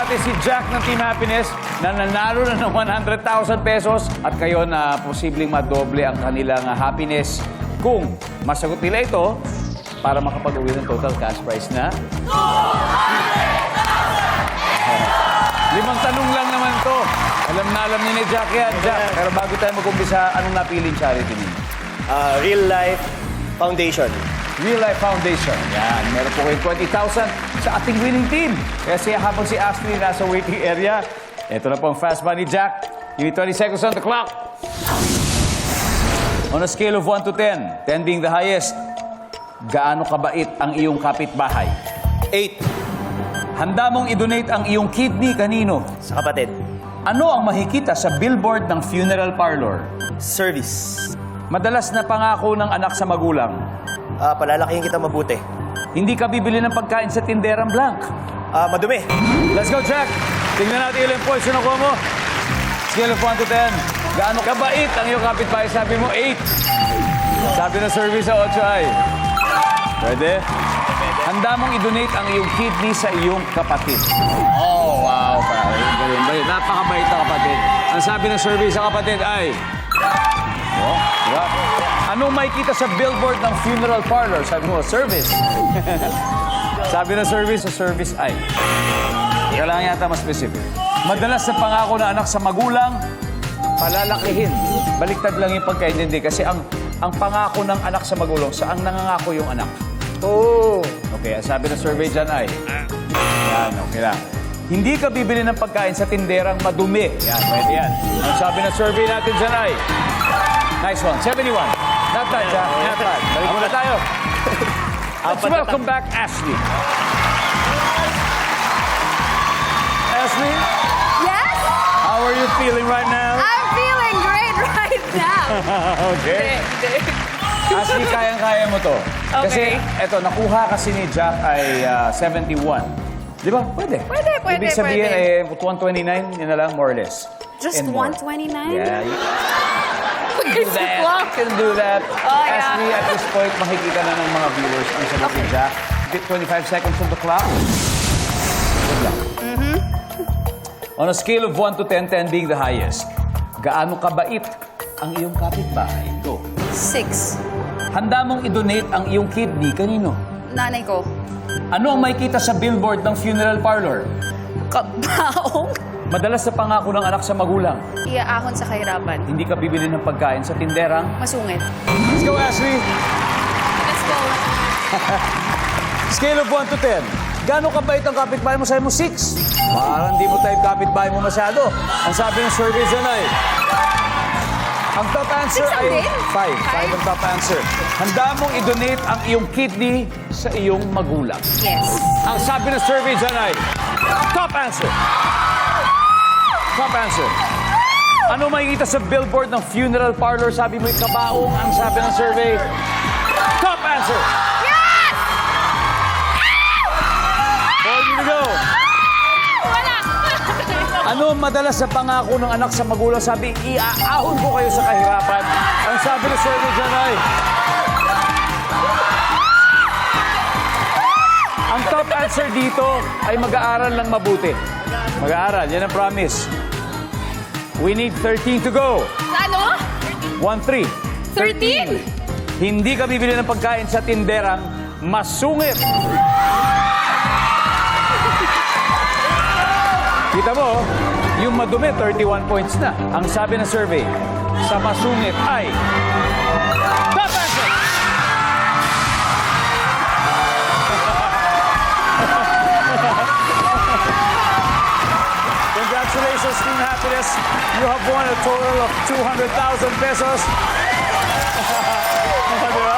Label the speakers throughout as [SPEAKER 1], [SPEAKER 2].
[SPEAKER 1] natin si Jack ng Team Happiness na nanalo na ng 100,000 pesos at kayo na posibleng madoble ang kanilang happiness kung masagot nila ito para makapag-uwi ng total cash prize na 5 tanong lang naman to. Alam na alam niyo ni Jack yan, Jack. Pero bago tayo mag-umpisa, anong napiling charity niyo?
[SPEAKER 2] Real Life Foundation.
[SPEAKER 1] Real Life Foundation. Yan, meron po kayong 20,000 sa ating winning team. Kasi habang si Ashley nasa waiting area, ito na po ang fast money, Jack. Give me 20 seconds on the clock. On a scale of 1 to 10, 10 being the highest, gaano kabait ang iyong kapitbahay?
[SPEAKER 2] 8.
[SPEAKER 1] Handa mong i-donate ang iyong kidney kanino?
[SPEAKER 2] Sa kapatid.
[SPEAKER 1] Ano ang makikita sa billboard ng funeral parlor?
[SPEAKER 2] Service.
[SPEAKER 1] Madalas na pangako ng anak sa magulang.
[SPEAKER 2] Palalakihin kita mabuti.
[SPEAKER 1] Hindi ka bibili ng pagkain sa tinderang blank.
[SPEAKER 2] Madumi.
[SPEAKER 1] Let's go, Jack! Tingnan natin ilang points na nakuha mo. Scale of 1 to 10. Gaano kabait ang iyong kapitbahay? Sabi mo, 8. Sabi na service sa 8 ay. Pwede? Handa mong i-donate ang iyong kidney sa iyong kapatid. Oh, wow. Galing. Napakabait na kapatid. Ang sabi ng survey sa kapatid ay... Oh, diba? Anong makikita sa billboard ng funeral parlor? Sabi mo, service. Sabi ng service sa service ay... Kailangan yata mas specific. Madalas na pangako na anak sa magulang, palalakihin. Baliktad lang yung pagkaintindi kasi ang pangako ng anak sa magulang, saan nangangako yung anak?
[SPEAKER 2] Oh.
[SPEAKER 1] Okay, sabi ng survey dyan ay... Yan, okay lang. Hindi ka bibili ng pagkain sa tinderang madumi. Yan, pwede yan. Ang sabi ng survey natin dyan ay... Nice one, 71. Not bad, Jack. Not bad. Balik muna tayo. Let's welcome back Ashley. Ashley,
[SPEAKER 3] Yes?
[SPEAKER 1] how are you feeling right now?
[SPEAKER 3] I'm feeling great right now.
[SPEAKER 1] Okay. Ashley, kayang-kaya mo to. Kasi,
[SPEAKER 3] Okay.
[SPEAKER 1] eto, nakuha kasi ni Jack ay 71. Di ba? Pwede.
[SPEAKER 3] Pwede.
[SPEAKER 1] Ibig sabihin, 129, yun na lang, more or less.
[SPEAKER 3] Just
[SPEAKER 1] And more.
[SPEAKER 3] 129?
[SPEAKER 1] Yeah, you can do that.
[SPEAKER 3] Wow.
[SPEAKER 1] You can do that.
[SPEAKER 3] Oh, yeah.
[SPEAKER 1] Ashley, at this point, makikita na ng mga viewers ang sagot ni Jack. 25 seconds on the clock. Good luck. On a scale of 1 to 10, 10 being the highest, gaano kabait ang iyong kapitbahay? Go.
[SPEAKER 3] 6.
[SPEAKER 1] Handa mong i-donate ang iyong kidney kanino?
[SPEAKER 3] Nanay ko.
[SPEAKER 1] Ano ang makikita sa billboard ng funeral parlor?
[SPEAKER 3] Kabaong.
[SPEAKER 1] Madalas na pangako ng anak sa magulang.
[SPEAKER 3] Iaahon sa kahirapan.
[SPEAKER 1] Hindi ka bibili ng pagkain sa tinderang.
[SPEAKER 3] Masungit.
[SPEAKER 1] Let's go, Ashley!
[SPEAKER 3] Let's go.
[SPEAKER 1] Scale of 1 to 10. Gaano kabait ang kapitbahay mo? Sabi mo, 6. Parang di mo type kapitbahay mo masyado. Ang sabi ng survey dyan ay... Ang top answer
[SPEAKER 3] Six ang
[SPEAKER 1] ay
[SPEAKER 3] din?
[SPEAKER 1] 5. 5 ang top answer. Handa mong i-donate ang iyong kidney sa iyong magulang.
[SPEAKER 3] Yes.
[SPEAKER 1] Ang sabi ng survey dyan ay... Top answer. Top answer. Ano makikita sa billboard ng funeral parlor? Sabi mo, kabaong. Ang sabi ng survey... Top answer.
[SPEAKER 3] Yes!
[SPEAKER 1] 4 to go.
[SPEAKER 3] Wala.
[SPEAKER 1] Ano ang madalas sa pangako ng anak sa magulang? Sabi, iaahon ko kayo sa kahirapan. Ang sabi ng survey dyan ay... Ang top answer dito ay mag-aaral lang mabuti. Mag-aaral, yan ang promise. We need 13 to go.
[SPEAKER 3] Ano?
[SPEAKER 1] 1-3.
[SPEAKER 3] 13.
[SPEAKER 1] Hindi ka bibili ng pagkain sa tinderang masungit. Kita mo, yung madumi, 31 points na. Ang sabi ng survey, sa masungit ay... Top answer! Congratulations, Team Happiness. You have won a total of 200,000 pesos. Diba?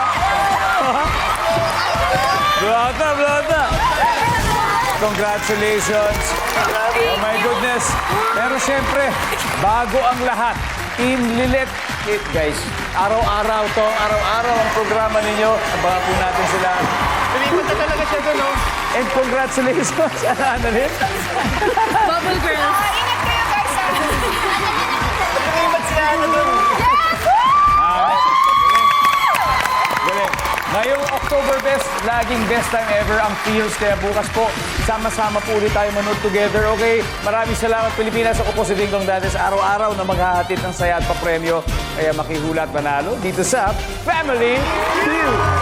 [SPEAKER 1] Blood na. Congratulations. Oh my goodness. Pero siyempre, bago ang lahat, inlilit it, guys. Araw-araw to, araw-araw ang programa ninyo. Abangan po natin sila. Pilipat na talaga siya doon, no? And congratulations. Ano rin?
[SPEAKER 3] Bubble girls. Ingat kayo guys.
[SPEAKER 2] Pilipat sila doon.
[SPEAKER 1] Galing. Ngayong October Best, laging best time ever ang feels. Kaya bukas po, sama-sama po ulit tayo manood together, okay? Maraming salamat, Pilipinas. Ako po si Dingdong Dantes, araw-araw na maghahatid ng saya at papremyo. Kaya makihula at manalo dito sa Family Feud.